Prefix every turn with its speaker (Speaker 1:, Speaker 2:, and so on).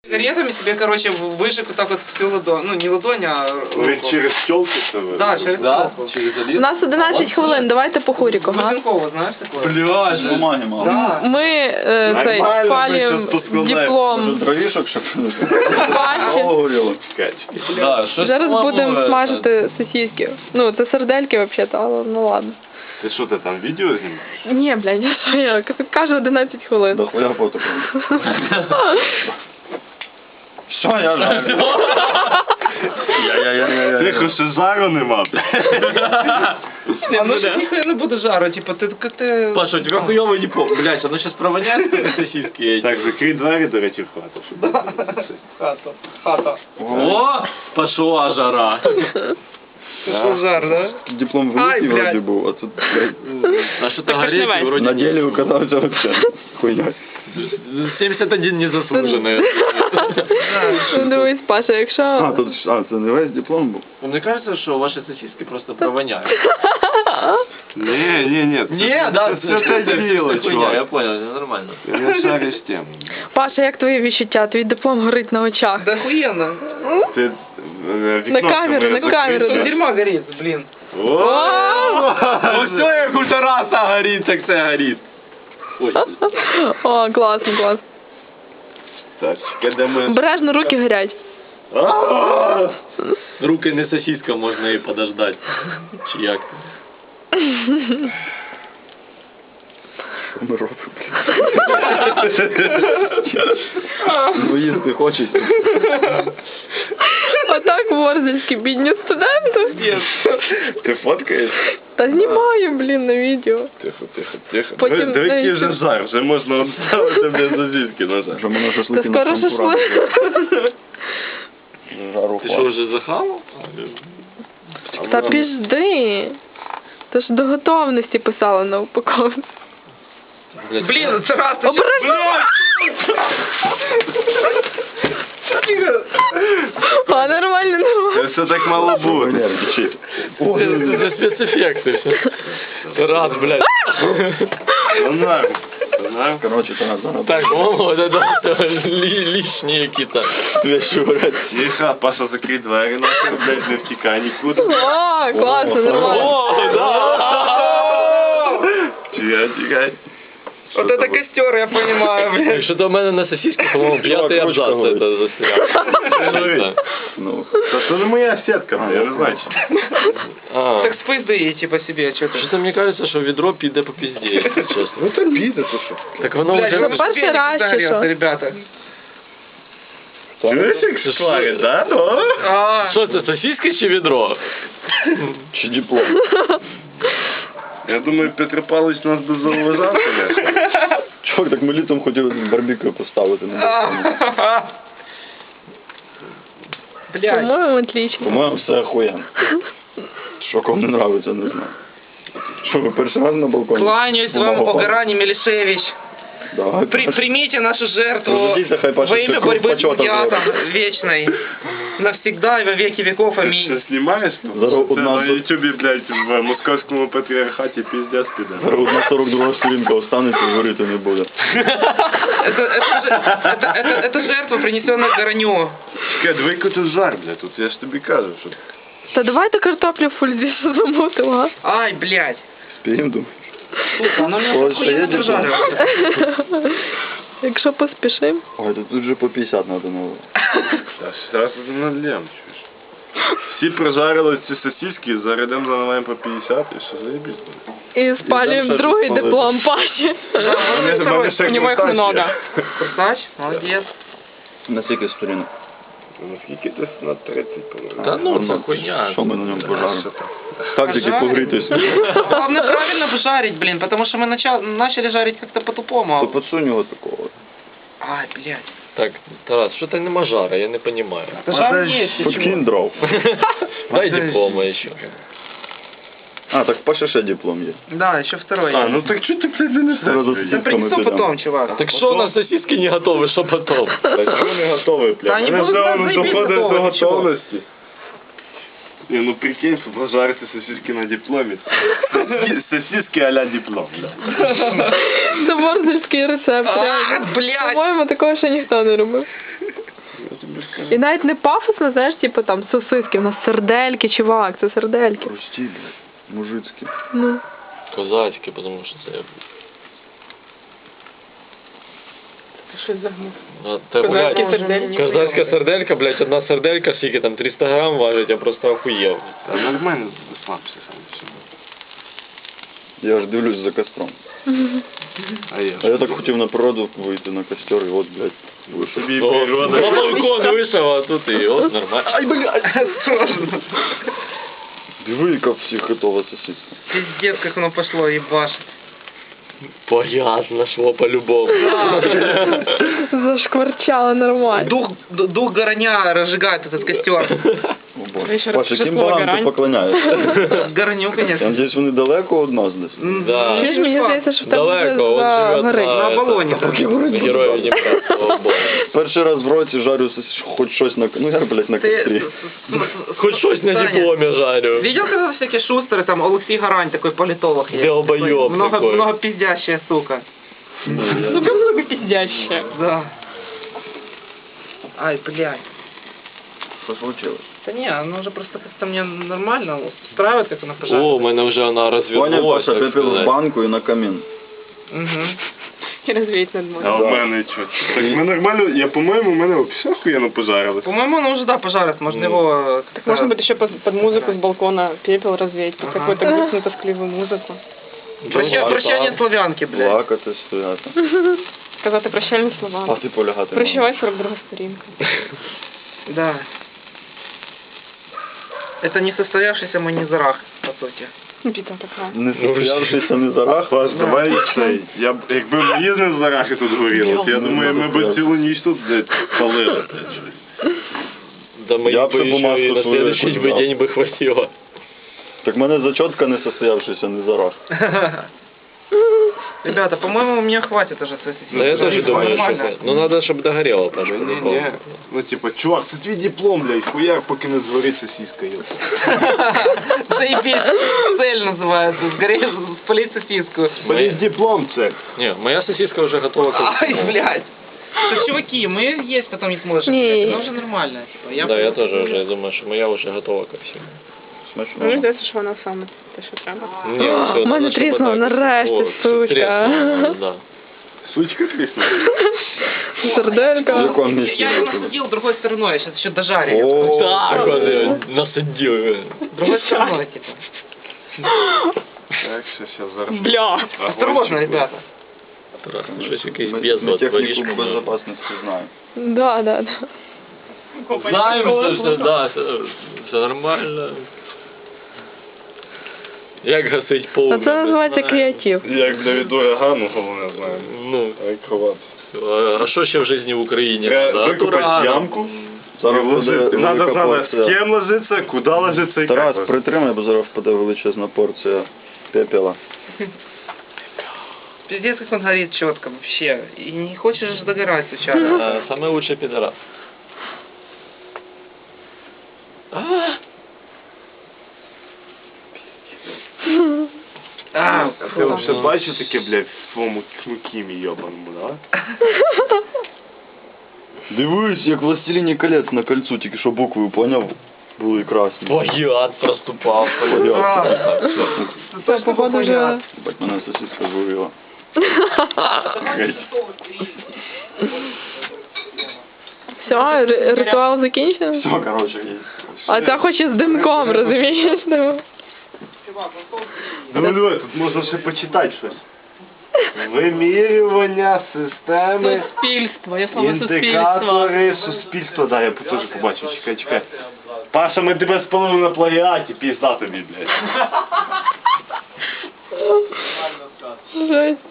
Speaker 1: Сигаретами себе, короче, выжег вот так вот всю ладонь. Ну, не ладонь, а руку.
Speaker 2: Через щелки-то ви?
Speaker 1: Да, через щелку.
Speaker 2: Через
Speaker 3: У
Speaker 2: один?
Speaker 3: нас 11 хвилин, давайте по Хурику, га?
Speaker 1: Бузенкова, знаешь такое?
Speaker 2: Блядь, бумаги мало.
Speaker 1: Да.
Speaker 3: Ми цей, спалюємо диплом
Speaker 2: Дровішок, щоб
Speaker 3: Паші.
Speaker 2: горіло. Да, щось
Speaker 3: Зараз
Speaker 2: мало,
Speaker 3: будемо смажити сосиски. Ну, це сердельки взагалі-то, але ну ладно.
Speaker 2: Ти що, ти там відео знімаєш?
Speaker 3: Ні, блядь, я кажу 11 хвилин.
Speaker 2: Да хуя фото. Що я жарю? Тихо, ще жару нема.
Speaker 1: А ну сейчас нихуя не буду жару, типа ты...
Speaker 4: Паша, у тебя хуёвый не помню. Блядь, оно сейчас провоняет, как сосиски эти.
Speaker 2: Так, закрий двері, до речі, в хату.
Speaker 1: Хата.
Speaker 4: О, пошла жара.
Speaker 1: Пошел жар, да?
Speaker 5: Диплом
Speaker 1: Ай,
Speaker 5: великий
Speaker 1: блядь.
Speaker 5: вроде был, а тут, блядь,
Speaker 4: А что-то
Speaker 1: Так
Speaker 4: гореть
Speaker 1: снимай.
Speaker 4: вроде...
Speaker 5: на деле оказался вообще хуйня.
Speaker 4: 71 незаслуженный.
Speaker 3: Ну, дивись, Паша, якщо...
Speaker 5: А, тут, це не весь диплом був?
Speaker 4: Мне кажется, что ваши сосиски просто провоняют.
Speaker 2: Ні.
Speaker 4: Не, да,
Speaker 2: це те діло,
Speaker 4: хуйня, я
Speaker 2: чувак.
Speaker 4: понял, это нормально.
Speaker 2: Ти не шариш тему.
Speaker 3: Паша, як твої відчуття? Твій диплом горить на очах.
Speaker 1: Да охуенно.
Speaker 2: Ти
Speaker 3: На камеру, на камеру.
Speaker 1: Что дерьмо горит, блин.
Speaker 4: Ну все, як у Тараса горит, так це горит. Ой,
Speaker 3: О, класно, класно.
Speaker 2: Так, де ми...
Speaker 3: Обережно, руки горять.
Speaker 4: руки не сосиска, можно и подождать. Чи як?
Speaker 5: Що ми робимо, блядь? Ну їсти хочеться.
Speaker 3: Отак ворзельські бідні студенти.
Speaker 2: Ти фоткаєш?
Speaker 3: Та знімаю, блін, на відео.
Speaker 2: Тихо.
Speaker 3: Потім
Speaker 2: Диви, який
Speaker 3: навіщо?
Speaker 2: вже жар, вже можна обставити без сосиски на жар.
Speaker 5: Вже мене
Speaker 3: Та
Speaker 5: шашлики на
Speaker 3: скоро
Speaker 5: шампурах.
Speaker 3: шашлик.
Speaker 5: Жару
Speaker 4: Ты что, уже захавал?
Speaker 3: Та пізди. Ти ж до готовності писала на упаковці.
Speaker 1: Блин, это раз ты...
Speaker 3: Обережно! А, нормально,
Speaker 2: Це
Speaker 3: нормально.
Speaker 2: все так мало бути.
Speaker 5: Нервничает.
Speaker 4: Это спецэффекты. Тарас, блядь.
Speaker 2: Норм.
Speaker 5: Короче, це надо.
Speaker 4: Так, о, это лишние какие-то.
Speaker 5: Вещи говорять.
Speaker 2: Тихо, Паша, закрий двері, нахуй, блядь, не втікай нікуди.
Speaker 3: О, класно, нормально.
Speaker 4: О, да!
Speaker 2: Тікай.
Speaker 1: Вот это костер, я понимаю, блядь.
Speaker 4: Что-то у меня на сосиске, по-моему, пятый
Speaker 5: ручка
Speaker 4: абзац
Speaker 5: говорит.
Speaker 4: это застрял.
Speaker 5: Ну,
Speaker 2: Та це не моя сітка, блядь, я не знаю.
Speaker 4: А,
Speaker 1: Так спизди, типа, себе, что-то.
Speaker 4: что-то мне кажется, что ведро піде по пизде, если честно.
Speaker 2: Ну це піде, то що?
Speaker 4: Так воно
Speaker 1: Блядь,
Speaker 4: уже...
Speaker 1: ну
Speaker 3: перший
Speaker 1: велик
Speaker 3: раз,
Speaker 1: ударился,
Speaker 3: чи що?
Speaker 1: ребята.
Speaker 2: Чуєш, як шварить, да? Ну?
Speaker 1: А,
Speaker 4: Что это, сосиска чи ведро?
Speaker 5: чи диплом.
Speaker 2: Я думаю, Петро Павлович нас би зауважав, конечно.
Speaker 5: Чувак, так ми літом хотіли барбекю поставити.
Speaker 1: блядь.
Speaker 3: По-моєму, отлично.
Speaker 5: По-моєму, все охуєнно. Що кому не нравиться, не знаю. Що, ви перший раз на балконі?
Speaker 1: Кланяюсь вам,
Speaker 5: Ого.
Speaker 1: Погарани Мелишевич.
Speaker 5: Давай,
Speaker 1: Примите нашу жертву
Speaker 5: Разведите, хай Паша
Speaker 1: во имя
Speaker 5: церковь
Speaker 1: борьбы с
Speaker 5: почета
Speaker 1: плагиатом вечной. Навсегда и во веки веков.
Speaker 2: Ти
Speaker 1: Аминь.
Speaker 2: що, знімаєш?
Speaker 5: Зараз
Speaker 2: Це
Speaker 5: одна
Speaker 2: на ютубі, блядь, в московському патріархаті піздець піде.
Speaker 5: Одна 42 сторінка останеться і горіти не буде.
Speaker 1: Это жертва, принесенная Гораню.
Speaker 2: Чекай, диви, який тут жар, блядь, тут я ж тобі кажу, що...
Speaker 3: Та давайте картоплю в фользі замутимо, а?
Speaker 1: Ай, блядь.
Speaker 5: Спіємо, думаю.
Speaker 1: Сука, она меня
Speaker 5: Ой,
Speaker 1: охуенно
Speaker 5: поедешь,
Speaker 1: прижаривает.
Speaker 3: Якщо поспішимо.
Speaker 5: Ой, тут вже по 50 треба нового.
Speaker 2: Та зараз уже надлем, чуєш. Всі прожарили ці сосиски, зарядом заливаємо по 50 і що заєбісь.
Speaker 3: І спалюємо другий диплом Паші.
Speaker 1: У него их много. Курсач, молодец.
Speaker 5: На скільки сторінок?
Speaker 2: Наскільки десь на 30, по-моєму.
Speaker 4: Да ну, це хуйня.
Speaker 5: Що ми на ньому пожаримо? Так тільки погрітися.
Speaker 1: Главное правильно бы жарить, блин, потому что мы начали жарить как-то
Speaker 5: То
Speaker 1: по-тупому.
Speaker 5: подсунь його такого.
Speaker 1: Ай, блядь.
Speaker 4: Так, Тарас, что-то нема жара, я не понимаю.
Speaker 1: Да жар есть, ты
Speaker 5: Подкинь
Speaker 1: чего?
Speaker 5: дров.
Speaker 4: Дай диплома еще.
Speaker 5: А, так в Паші ще диплом є.
Speaker 1: Да, еще второй.
Speaker 2: А, ну так чого ти, блядь, не
Speaker 5: Зараз
Speaker 2: несеш?
Speaker 1: Да принесу потом, чувак.
Speaker 4: Так что у нас сосиски не готовы, что потом?
Speaker 2: Так чого не готовий,
Speaker 1: Та
Speaker 2: блядь?
Speaker 1: вони
Speaker 2: Вони
Speaker 1: будуть
Speaker 2: вже воно
Speaker 1: заєбісь
Speaker 2: доходить до
Speaker 1: готові, чого?
Speaker 2: готовності. Ні, ну прикинь, щоб пожарити сосиски на дипломі. Сосиски а-ля диплом, да.
Speaker 3: Це ворзельський рецепт. реально.
Speaker 1: блядь.
Speaker 3: По-моєму, такого ще ніхто не робив.
Speaker 2: Я тобі скажу.
Speaker 3: І навіть не пафосно, знаєш, типу там сосиски, у нас сердельки, чувак, це сердельки.
Speaker 5: Прості, блядь, мужицькі.
Speaker 3: Ну.
Speaker 4: Козацьке, тому що це...
Speaker 3: Ти щось загнув.
Speaker 4: Та,
Speaker 3: Козацькі
Speaker 4: блядь,
Speaker 3: сердельки.
Speaker 4: козацька серделька, блядь, одна серделька, скільки там, 300 грам важить, я просто охуєв.
Speaker 2: Та нормально слабся сам все.
Speaker 5: Я ж дивлюсь за костром. А я так хотів на природу вийти на костер, і от, блядь, вийшов.
Speaker 2: Тобі
Speaker 4: О,
Speaker 2: природа.
Speaker 4: на балкон вийшов, а тут і от нормально. Ай, блядь!
Speaker 5: Диви, яка всіх готова сосиска.
Speaker 1: Пиздец, как оно пошло, ебашит.
Speaker 4: Понятно, шло по-любому.
Speaker 3: Зашкварчало нормально.
Speaker 1: Дух гороня разжигает этот костер.
Speaker 5: О, Боже.
Speaker 3: Вечір
Speaker 5: Паша, яким
Speaker 3: пішла
Speaker 5: богам ти
Speaker 3: грань.
Speaker 5: поклоняєшся?
Speaker 1: Гороню,
Speaker 5: Я
Speaker 1: конечно.
Speaker 5: надіюсь, вони далеко від нас десь.
Speaker 4: Да.
Speaker 3: Чуєш, мені здається, що в тебе
Speaker 4: Далеко,
Speaker 3: вже
Speaker 4: он живет
Speaker 3: загорить.
Speaker 1: на Оболоні, да.
Speaker 4: Героїв Дніпра, слава Богу.
Speaker 5: Перший раз в році жарю хоч щось на... Ну, я, блядь, на кострі.
Speaker 4: Хоч щось на
Speaker 1: Саня,
Speaker 4: дипломі жарю.
Speaker 1: Видел, когда всякие шустеры, там Алексей Гарань, такой политолог есть?
Speaker 4: Долбоёб такой.
Speaker 1: Много пиздящая сука.
Speaker 3: Ну, как много пиздяще.
Speaker 1: Да. Ай, блядь.
Speaker 5: Що случилось?
Speaker 1: Да не, оно уже просто как-то мне нормально устраивает, как оно
Speaker 4: О,
Speaker 1: пожарит.
Speaker 4: у мене вже вона
Speaker 5: Понял,
Speaker 4: розвернулась,
Speaker 5: Паша,
Speaker 4: так
Speaker 5: пепел в
Speaker 4: сказати.
Speaker 5: банку і на камін.
Speaker 1: Угу.
Speaker 3: І розвіють над
Speaker 2: А
Speaker 3: морем.
Speaker 2: в мене що? Так ми нормально, я по-моєму, у мене все охуєнно пожарилось.
Speaker 1: По-моему, оно уже, да, пожарит, можно его...
Speaker 3: Так можно будет еще под музыку с балкона пепел развеять, под
Speaker 1: Ага.
Speaker 3: какую-то грустную, тоскливую музыку.
Speaker 1: Прощание славянки, блядь.
Speaker 5: Плакати, стояти.
Speaker 3: Сказати прощальні слова.
Speaker 5: А ти полягати.
Speaker 3: Прощавай 42 сторінка.
Speaker 1: Да. Это не состоявшийся манизарах, по сути.
Speaker 3: Біда така.
Speaker 5: Не состоявшийся не зарах.
Speaker 2: Клас, давай цей. Якби мої не зарахи тут горіло, то я думаю, ми б цілу ніч тут блядь, палили. блядь, щось.
Speaker 4: Да мені
Speaker 5: Я б
Speaker 4: би
Speaker 5: ще
Speaker 4: ще
Speaker 5: бумажку
Speaker 4: і на
Speaker 5: свою
Speaker 4: следующий
Speaker 5: якусь
Speaker 4: би
Speaker 5: дав.
Speaker 4: день би хватило.
Speaker 5: Так в мене зачотка не состоявшийся не зарах.
Speaker 1: Ребята, по-моему, мне хватит уже сосисок.
Speaker 4: Да я тоже думаю, что
Speaker 1: Нормально.
Speaker 4: это. Ну надо, чтобы догорело, Паша.
Speaker 2: Ні, ну типа, чувак, це твій диплом, блядь, хуяк, поки не згорить сосиска, ёпта.
Speaker 1: Заебись, цель называется, сгореть, спалить сосиску.
Speaker 2: Блядь, диплом це.
Speaker 4: Не, моя сосиска уже готова к
Speaker 1: Ай, блядь. Да, чуваки, мы есть потом не сможем.
Speaker 3: Не.
Speaker 1: Это уже нормально. Типа,
Speaker 4: Да, я тоже уже думаю, что моя уже готова ко всему.
Speaker 3: Мені
Speaker 5: Смачно.
Speaker 3: здається, що вона саме те, що треба.
Speaker 4: Ні, все,
Speaker 3: в мене
Speaker 4: надо, щоб
Speaker 3: тріснуло,
Speaker 4: отак.
Speaker 3: нарешті,
Speaker 4: О,
Speaker 3: суча.
Speaker 4: тріснуло, да.
Speaker 2: Сучка тріснула.
Speaker 3: Серделька.
Speaker 5: В якому
Speaker 1: Я
Speaker 5: місці?
Speaker 1: его насадил другой стороной, я сейчас еще дожарю.
Speaker 5: О,
Speaker 4: Так, он ее насадил.
Speaker 1: Другой стороной, типа.
Speaker 2: Так, все, зараз.
Speaker 3: Бля.
Speaker 1: Осторожно, ребята.
Speaker 4: Щось якийсь
Speaker 5: Ми
Speaker 4: безлад,
Speaker 5: техніку
Speaker 4: водичку.
Speaker 5: безопасності знаємо.
Speaker 3: Да, да, да.
Speaker 4: Знаємо, що да, все нормально. Як гасить
Speaker 3: А
Speaker 4: полум'я?
Speaker 3: це
Speaker 4: ми
Speaker 3: називається
Speaker 4: знаємо.
Speaker 3: креатив.
Speaker 2: Як для віду Гану, головне знаємо.
Speaker 4: Ну,
Speaker 2: А як ховатися?
Speaker 4: а що ще в житті в Україні?
Speaker 2: Треба
Speaker 4: надо?
Speaker 2: викопати
Speaker 4: Уран.
Speaker 2: ямку.
Speaker 5: Зараз буде
Speaker 2: Ложити. Надо
Speaker 5: велика
Speaker 2: знати, з
Speaker 5: порція.
Speaker 2: ким ложиться, куди ложиться і
Speaker 5: Тарас,
Speaker 2: як ложиться.
Speaker 5: притримай, бо зараз впаде величезна порція пепела.
Speaker 1: Пиздец, как он горит четко вообще. И не хочешь же догорать случайно.
Speaker 4: Самый лучший пидорас.
Speaker 1: А,
Speaker 2: А ти вже бачив таке, блядь, в своєму кімі йобаному, да?
Speaker 5: Дивись, як властеліні колець на кольцу, тільки що букви, поняв? Були красні.
Speaker 4: Плагіат проступав.
Speaker 5: Плагіат.
Speaker 3: Це, походу, вже...
Speaker 5: Бать, мене сосиска згоріла.
Speaker 3: Все, ритуал закінчено?
Speaker 5: Все, короче, є.
Speaker 3: А це хоч і з димком, розумієш? Ну.
Speaker 2: Ну, диви, тут можна ще почитати щось. Вимірювання системи,
Speaker 3: Суспільство, я
Speaker 2: індикатори суспільства. Да, я теж побачив, чекай. Паша, ми тебе спалили на плагіаті, пізда тобі, блядь.
Speaker 3: Жесть.